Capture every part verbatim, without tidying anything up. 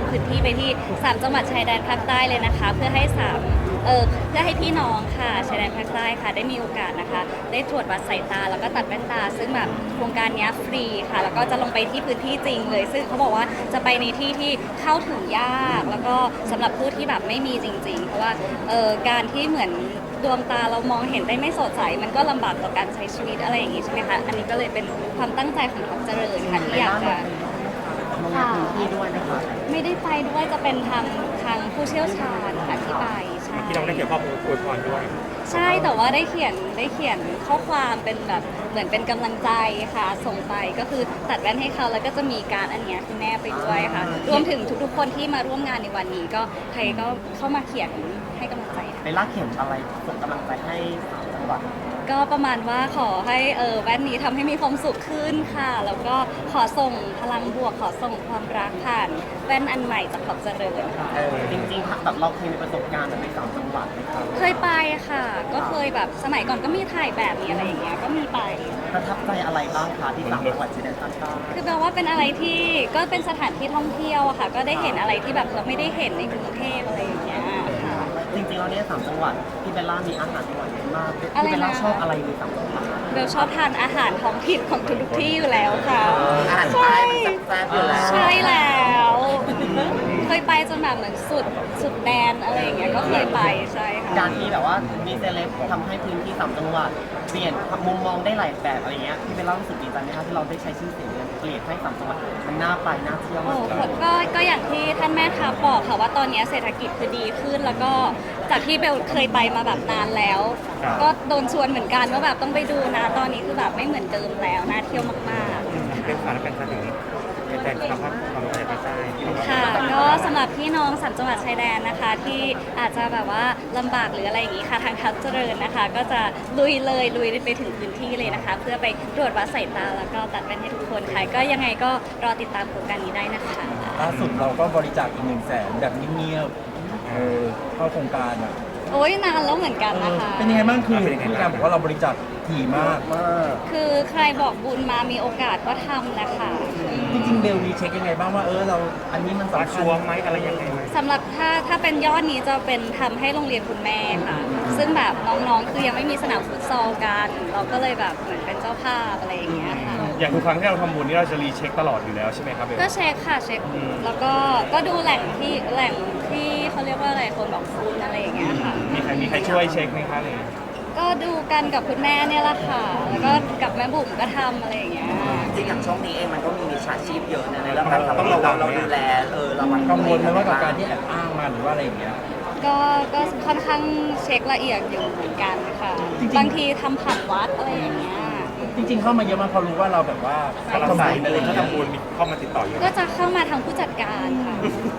พื้นที่ไปที่สามจังหวัดชายแดนภาคใต้เลยนะคะ เพื่อให้สามเออเพื่อให้พี่น้องค่ะชายแดนภาคใต้ค่ะได้มีโอกาสนะคะได้ตรวจวัดสายตาแล้วก็ตัดแว่นตาซึ่งแบบโครงการนี้ฟรีค่ะแล้วก็จะลงไปที่พื้นที่จริงเลยซึ่งเขาบอกว่าจะไปในที่ที่เข้าถึงยากแล้วก็สำหรับผู้ที่แบบไม่มีจริงๆเพราะว่าเออการที่เหมือนดวงตาเรามองเห็นได้ไม่สดใสมันก็ลำบากต่อการใช้ชีวิตอะไรอย่างนี้ใช่ไหมคะอันนี้ก็เลยเป็นความตั้งใจของท็อปเจริญค่ะที่อยากจะค่ะไม่ได้ไปด้วยจะเป็นทางทางผู้เชี่ยวชาญค่ะที่ไปใช่ที่เราได้เขียนข้อมูลอวยพรด้วยใช่แต่ว่าได้เขียนได้เขียนข้อความเป็นแบบเหมือนเป็นกำลังใจค่ะส่งไปก็คือตัดแว่นให้เขาแล้วก็จะมีการอันเนี้ยคือแนบไปด้วยค่ะรวมถึงทุกๆคนที่มาร่วมงานในวันนี้ก็ใครก็เข้ามาเขียนให้กำลังใจค่ะเบลล่าเขียนอะไรส่งกำลังใจให้สามจังหวัดก็ประมาณว่าขอให้เออแว่นนี้ทำให้มีความสุขขึ้นค่ะ แล้วก็ขอส่งพลังบวกขอส่งความรักผ่านแว่นอันใหม่จากขอบเจริญค่ะเออจริงๆแบบเราเคยมีประสบการณ์แบบในสามจังหวัดไหมครับเคยไปค่ะ ก็เคยแบบสมัยก่อนก็มีถ่ายแบบมีอะไรอย่างเงี้ยก็มีไปประทับใจอะไรบ้างคะที่สามจังหวัดชายแดนภาคใต้คือแปลว่าเป็นอะไรที่ก็เป็นสถานที่ท่องเที่ยวอะค่ะ ก็ได้เห็นอะไรที่แบบเราไม่ได้เห็นในกรุงเทพอะไรอย่างเงี้ยค่ะจริงๆแล้วเนี่ยสามจังหวัดที่เบลล่ามีอาหารอร่อยมากอะไรที่นะเบลล่าชอบอะไรในสามจังหวัดเบลชอบทานอาหารท้องถิ่นของทุกๆที่อยู่แล้วค่ะอาหารใต้มันแซ่บๆอยู่แล้วใช่แล้วเคยไปจนแบบเหมือนสุดสุดแดนอะไรอย่างเงี้ยก็เคยไปใช่ค่ะการที่แบบว่ามีเซเลบทำให้พื้นที่สามจังหวัดเปลี่ยนมุมมองได้หลายแบบอะไรเงี้ยที่เบลล่ารู้สึกดีใจไหมคะที่เราได้ใช้ชื่อเสียงเนี่ยเปลี่ยนให้สามจังหวัดมันน่าไปน่าเที่ยวโอ้มากโหขึ้นก็ก็อย่างที่ท่านแม่ทัพบอกค่ะว่าตอนนี้เศรษฐกิจคือดีขึ้น แล้วก็จากที่เบลเคยไปมาแบบนานแล้ว ก็โดนชวนเหมือนกันว่าแบบต้องไปดูนะตอนนี้คือแบบไม่เหมือนเดิมแล้วน่าเที่ยวมากๆเป็นฝันเป็นฝันถึงเป็นแฟนคลับความรู้ใจภาคใต้ที่บอกว่าค่ะก็สำหรับพี่น้องสามจังหวัดชายแดนนะคะ ที่อาจจะแบบว่าลำบากหรืออะไรอย่างนี้ค่ะทางทัพเจริญนะคะ ก็จะลุยเลยลุยไปถึงพื้นที่เลยนะคะ เพื่อไปตรวจวัดสายตาแล้วก็ตัดแว่นให้ทุกคนค่ะก็ยังไงก็รอติดตามโครงการนี้ได้นะคะล่าสุดเราก็บริจาคอีกหนึ่งแสนแบบเงียบๆเออเข้าโครงการอ่ะโอ้ยนานแล้วเหมือนกันนะคะเป็นยังไงบ้างคือผู้การบอกว่าเราบริจาคถี่มากมากคือใครบอกบุญมามีโอกาสก็ทำนะคะจริงๆเบลมีเช็คยังไงบ้างว่าเออเราอันนี้มันว่าสำคัชัญวร์ไหมอะไรยังไงไหมสำหรับถ้าถ้าเป็นยอดนี้จะเป็นทำให้โรงเรียนคุณแม่ค่ะ ซึ่งแบบน้องๆ คือยังไม่มีสนามฟุตซอลกัน เราก็เลยแบบเหมือนเป็นเจ้าภาพอะไรอย่างเงี้ยค่ะอย่างทุกครั้งที่เราทำบุญนี่เราจะรีเช็คตลอดอยู่แล้วใช่ไหมครับเบลก็เช็คค่ะเช็คอืมแล้วก็ก็ดูแหล่งที่แหล่งที่เขาเรียกว่าอะไรคนบอกคุณอะไรอย่างเงี้ยค่ะมีใครมีใครช่วยเช็คไหมคะเลยก็ดูกันกับคุณแม่เนี่ยแหละค่ะ แล้วก็กับแม่บุ๋มก็ทำอะไรอย่างเงี้ยจริงอย่างช่วงนี้เองมันก็มีมิจฉาชีพเยอะนะในเรื่องการทำให้เราเราดูแลเออระวังกังวลไหมว่ากับการที่แอบอ้างมาหรือว่าอะไรอย่างเงี้ยก็ก็ค่อนข้างเช็คละเอียดอยู่เหมือนกันค่ะจริงๆบางทีทำผ่านวัดอะไรอย่างเงี้ยจริงๆเข้ามาเยอะมากพอรู้ว่าเราแบบว่าถ้าเราทำใส่บุญอะไรอย่างถ้าเงี้ยทำบุญมีเข้ามาติดต่ออยู่ก็จะเข้ามาทางผู้จัดการค่ะ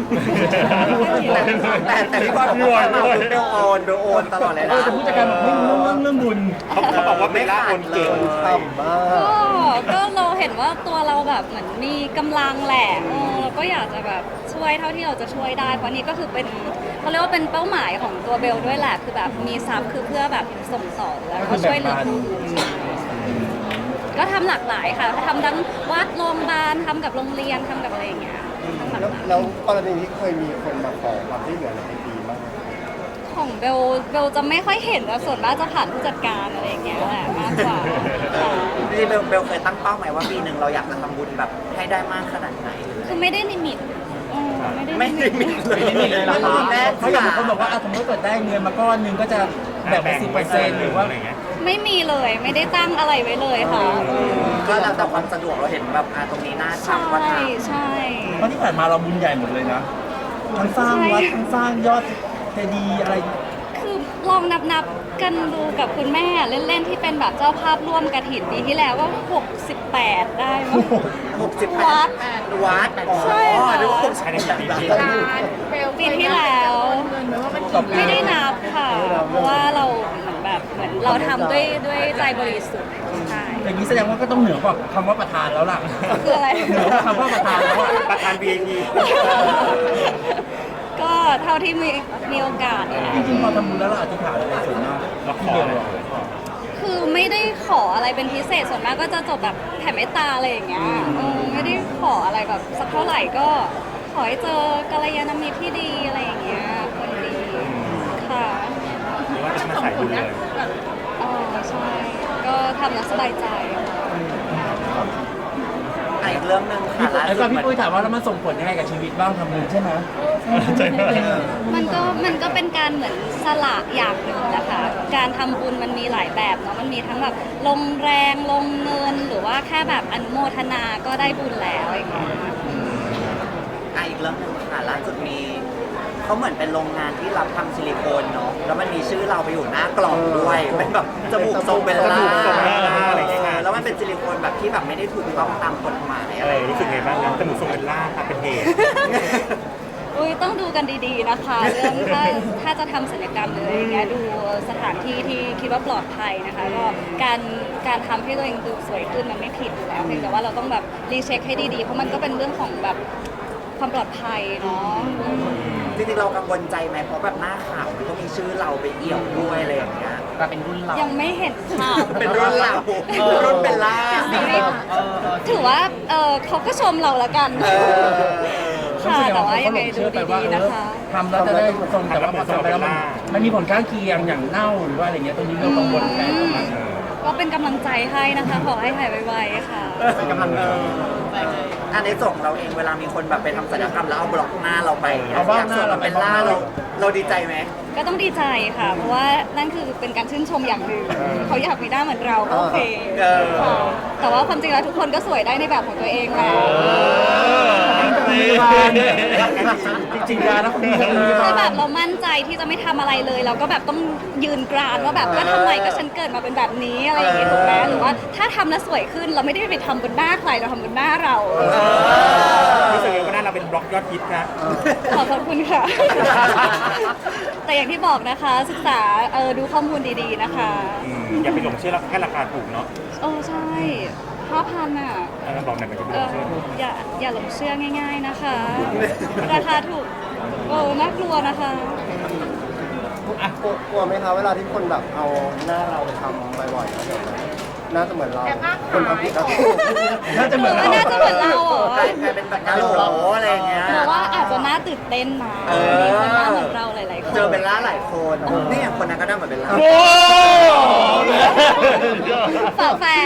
แต่แต่พี่บอลพี่บอลมาเบลโอนเบลโอนตลอดเลยเอนะอแต่ผู้จัดการบอกไม่รู้เรื่องเรื่องบุญเขาเขาบอกว่าเบลล่าโอนเก่งต่ำมากก็ก็เราเห็นว่าตัวเราแบบเหมือนมีกำลังแหละเออเราก็อยากจะแบบช่วยเท่าที่เราจะช่วยได้ เพราะนี่ก็คือเป็นเขาเรียกว่าเป็นเป้าหมายของตัวเบลด้วยแหละ คือแบบมีทรัพย์คือเพื่อแบบส่งต่อแล้วก็ช่วยเหลือผู้อื่นใช่ก็ทำหลากหลายค่ะทำทั้งวัดโรงพยาบาลทำกับโรงเรียนทำกับอะไรอย่างเงี้ยทำหลากแล้วหลายแล้วกรณีที่เคยมีคนมาขอความช่วยเหลือในไอจีบ้างไหมของเบลเบลจะไม่ค่อยเห็นแล้วส่วนมากจะผ่านผู้จัดการอะไรอย่างเงี้ยแหละมากกว่าค่ะจริงๆเบลเบลเคยตั้งเป้าไหมว่าปีหนึ่งเราอยากจะทำบุญแบบให้ได้มากขนาดไหนคือไม่ได้ลิมิตเออไม่ได้ไม่ลิได้มิมีตเลยไม่ได้มีเลยเหรอครับแม่เพราะอย่างบางคนบอกว่าอ่ะสมมติเกิดได้เงินมาก้อนหนึงก็จะแบ่งเป็นสิบเปอร์เซ็นต์หรือว่าอะไรเงี้ยไม่มีเลยไม่ได้ตั้งอะไรไว้เลยค่ะก็แล้วแต่ความสะดวกเราเห็นแบบอ่าตรงนี้น่าใช่ทำก็ทใช่เพราะที่ผ่านมาเราบุญใหญ่หมดเลยนะทั้งสร้างวัดทั้งสร้างยอดเจดีย์อะไรคือลองนับนับๆกันดูกับคุณแม่เล่นๆที่เป็นแบบเจ้าภาพร่วมกระถิ่นปีที่แล้วก็หกสิบแปดได้มั้งำหกสิบแปวัดดวัดอ๋อใช่ค่ะนึกว่าหกสิบภายในแปกี่ดปีปีที่แล้วกับไม่ได้นับค่ะ เพราะว่าเราเหมือนแบบเหมือนเราทำด้วยด้วยใจบริสุทธิ์ใช่อย่างนี้แสดงว่าก็ต้องเหนือกว่าคำว่าประธานแล้วล่ะคืออะไรเหนือกว่าคำว่าประธานแล้วอะประธาน วี ไอ พีก็เท่าที่มีมีโอกาสเนี่ยจริงๆพอทำบุญแล้วเราอธิษฐานอะไรส่วนมากเราขที่อเบลอะไรบอกคือไม่ได้ขออะไรเป็นพิเศษส่วนมากก็จะจบแบบแผ่เมตตาอะไรอย่างเงี้ยเออไม่ได้ขออะไรแบบสักเท่าไหร่ก็ขออให้เจอกัลยาณมิตรที่ดีอะไรอย่างเงี้ยคนดีค่ะหรือว่าจะมาใส่ดูเลยอ๋อใช่ ก็ทำแล้วสบายใจอ่ะอีกเรื่องหนึ่งพี่ค่ะปุ้ยล่าแล้วสุก็ดพี่ปุ้ยถามว่าแล้วมันส่งผลยังไงกับชีวิตบ้างทำบุญใช่ไหมใช่ไหมมันก็มันก็เป็นการเหมือนสละอย่างหนึ่งนะคะ การทำบุญมันมีหลายแบบเนาะ มันมีทั้งแบบลงแรงลงเงินหรือว่าแค่แบบอนุโมทนาก็ได้บุญแล้วอย่างเงี้ยอ่ะอีกเรื่องหนึ่งค่ะล่าสุดมีเขาเหมือนเป็นโรงงานที่รับทำซิลิโคนเนาะแล้วมันมีชื่อเราไปอยู่หน้ากล่องด้วยเป็นแบบจมูกทรงเบลล่าจมูกทรงเบลล่าอะไรอย่างเงี้ยค่ะแล้วมันเป็นซิลิโคนแบบที่แบบไม่ได้ถูกต้องตามกฎหมายเออะไรอรู้สึกไงบ้างครับจมูกทรงเป็นล่าครับเป็นเหตุอุ้ยต้องดูกันดีๆนะคะ เรื่องถ้าถ้าจะทำศัลยกรรมหรืออะไรอย่างเงี้ยดูสถานที่ที่คิดว่าปลอดภัยนะคะก็การการทำให้ตัวเองดูสวยขึ้นมันไม่ผิดอยู่แล้วเพียงแต่ว่าเราต้องแบบรีเช็คให้ดีๆ เพราะมันก็เป็นเรื่องของแบบความปลอดภัยเนาะจริงๆเรากังวลใจไหมเพราะแบบหน้าข่าวมันก็มีชื่อเราไปเอี่ยวด้วยอะไรอย่างเงี้ยกลายเป็นรุ่นเรายังไม่เห็นข่าวเป็นรุ่นเรารุ่นเบลล่าเออเออถือว่าเออเขาก็ชมเราละกันเออค่ะแต่ว่ายังไงดูดีๆนะคะทำแล้วจะได้ทรงแต่ว่าพอทำไปแล้วมันมันมีผลข้างเคียงอย่างเน่าหรือว่าอะไรเงี้ยตรงนี้เรากังวลไหมประมาณนั้นก็เป็นกำลังใจให้นะคะ ขอให้หายไวๆค่ะเป็นกำลังใจอันในส่งเราเองเวลามีคนแบบไปทำศัลยกรรมแล้วเอาบล็อกหน้าเราไปเอาบล็อกหน้าเราไปเป็นล่าเราเราดีใจไหมก็ต้องดีใจค่ะ เพราะว่านั่นคือเป็นการชื่นชมอย่างหนึ่งเขาอยากมีหน้าเหมือนเราก็โอเคเออค่ะแต่ว่าความจริงแล้วทุกคนก็สวยได้ในแบบของตัวเองแหละจริงๆการนะคุณพี่คือแบบเรามั่นใจที่จะไม่ทำอะไรเลย เราก็แบบต้องยืนกรานว่าแบบก็ทำไมก็ฉันเกิดมาเป็นแบบนี้อะไรอย่างงี้ถูกไหมหรือว่าถ้าทำแล้วสวยขึ้นเราไม่ได้ไปทำบนหน้าใครเราทำบนหน้าเรารู้สึกไงว่าหน้าเราเป็นบล็อกยอดฮิตครับขอบพระคุณค่ะ แต่อย่างที่บอกนะคะ ศึกษาเออดูข้อมูลดีๆนะคะอืมอย่าไปหลงเชื่อแล้วแค่ราคาถูกเนาะโอ้ใช่ห้าพันอ่ะเออบอกหน่อยมันจะไปเอหลองเชื่ออย่าอย่าหลงเชื่อง่าย ๆนะคะ ราคาถูกโอ้น่ากลัวนะคะกลัวกลัวไหมคะเวลาที่คนแบบเอาหน้าเราไปทำบ่อยๆแล้วเดี๋ยวน่าจะเหมือนเราคนทำผิดก็ถูกน่าจะเหมือนหรือว่าน่าจะเหมือนเราเหรอกลายเป็นแบบกาโหลอะไรอย่างเงี้ยหรือว่าอาจจะน่าตื่นเต้นนะเออมีคนหน้าเหมือนเราหลายๆคนเจอเบลล่าหลายคนนี่อย่างคนนั้นก็ได้เหมือนเบลล่าโอ้ฝาแฝด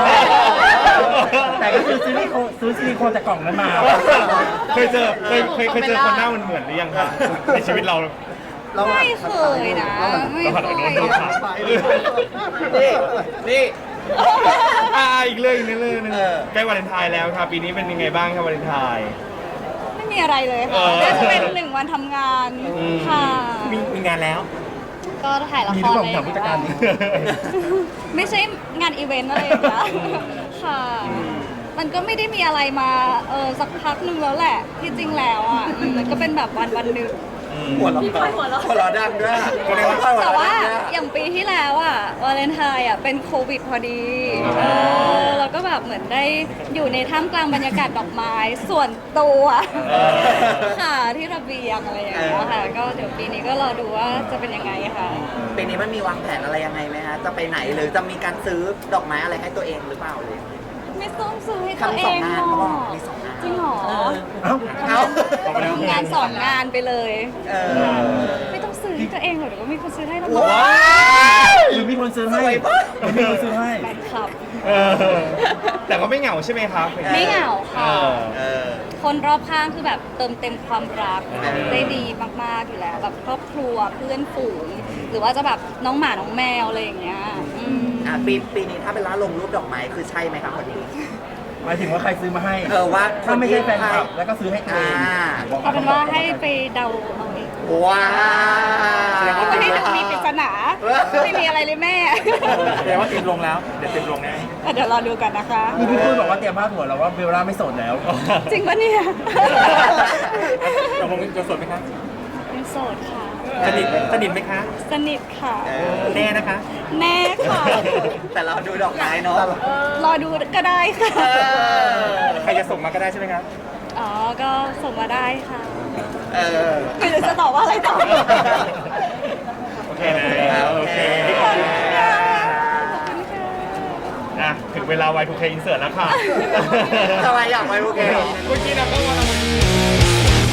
แต่ก็คือซื้อซิลิโคนซื้อซิลิโคนจากกล่องนั้นมาเคยเจอเคยเคยเคยเจอคนหน้ามันเหมือนหรือยังครับในชีวิตเราไม่เคยนะ ไม่เราเคหันไปโดนยโดนขานี่นี่อ่าอีกเรื่องอีกเรื่องหนึงเออใกล้วาเลนไทน์แล้วครับปีนี้เป็นยังไงบ้างครับวาเลนไทน์ไม่มีอะไรเลยเอค่ะอน่าจะเป็นหนึ่งวันทำงานค่ะมีมีงานแล้วก็ถ่ายละมีคทุกรคนเลยถามผู้จัดการดิไม่ใช่งานอีเวนต์อะไรอย่างเงี้ยค่ะ มันก็ไม่ได้มีอะไรมาเออสักพักหนึ่งแล้วแหละ ที่จริงแล้วอ่ะอืมมันก็เป็นแบบวันวันหนึ่งหัวเราะหัวเราะดังด้วยแต่ว่าอย่างปีที่แล้วอ่ะวาเลนไทน์อ่ะเป็นโควิดพอดีเออแล้วก็แบบเหมือนได้อยู่ในท่ามกลางบรรยากาศดอกไม้ส่วนตัวค่ะที่ระเบียงอะไรอย่างเงี้ยค่ะ ก็เดี๋ยวปีนี้ก็รอดูว่าจะเป็นยังไงค่ะปีนี้มันมีวางแผนอะไรยังไงไหมฮะจะไปไหนหรือจะมีการซื้อดอกไม้อะไรให้ตัวเองหรือเปล่าเลยไม่ต้องซื้อให้ตัวทำเอสองงงานหรเขาบออกกมีสองงานจริงเหรอเอ้าเอาออกมาแล้วงานสองงานไปเลยเออไม่ต้องซื้อให้ตัวเองหรอกเดี๋ยวก็มีคนซื้อให้แล้วว้าหรือมีคนซื้อให้สวยปะหรือมีคนซื้อให้แฟนคลับเออแต่ก็ไม่เหงาใช่ไหมครับไม่เหงาค่ะเออคนรอบข้างคือแบบเติมเต็มความรักเออได้ดีมากๆอยู่แล้ว แบบครอบครัวเพื่อนฝูง หรือว่าจะแบบน้องหมาน้องแมวอะไรอย่างเงี้ยอืมอ่ะปีปีนี้ถ้าเป็นร้านลงรูปดอกไม้คือใช่ไหมครับคนนี้หมายถึงว่าใครซื้อมาให้เออว่าถ้าไม่ใช่แฟนคลับแล้วก็ซื้อให้ตัวเองอ่าเอาเป็นว่าให้ไปเดาเอาเองว้าไม่ให้มีปริศนาไม่มีอะไรเลยแม่แสดงว่าเต็มลงแล้ว เดี๋ยวเต็มลงแน่เดี๋ยวรอดูกันนะคะนี่พี่ปุ้ยบอกว่าเตรียมพาดหัวแล้วว่าเบลล่าไม่โสดแล้วจริงปะเนี่ยตกลงจะสดไหมคะเป็นโสดค่ะสนิทสนิทไหมคะสนิทค่ะเออแน่นะคะแน่ค่ะแต่เราดูดอกไม้เนาะรอดูก็ได้ค่ะเออใครจะส่งมาก็ได้ใช่ไหมครับอ๋อ ก็ส่งมาได้ค่ะเออไม่รู้จะตอบว่าอะไรต่อโอเคนะโอเคขอบคุณค่ะขอบคุณค่ะอ่ะถึงเวลา วาย ทู เค อินเสิร์ตแล้วค่ะทำไมอยากไปโอเคเมื่อกี้นะก็ว่า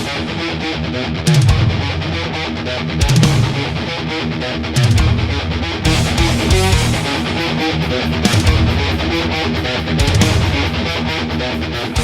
We'll be right back.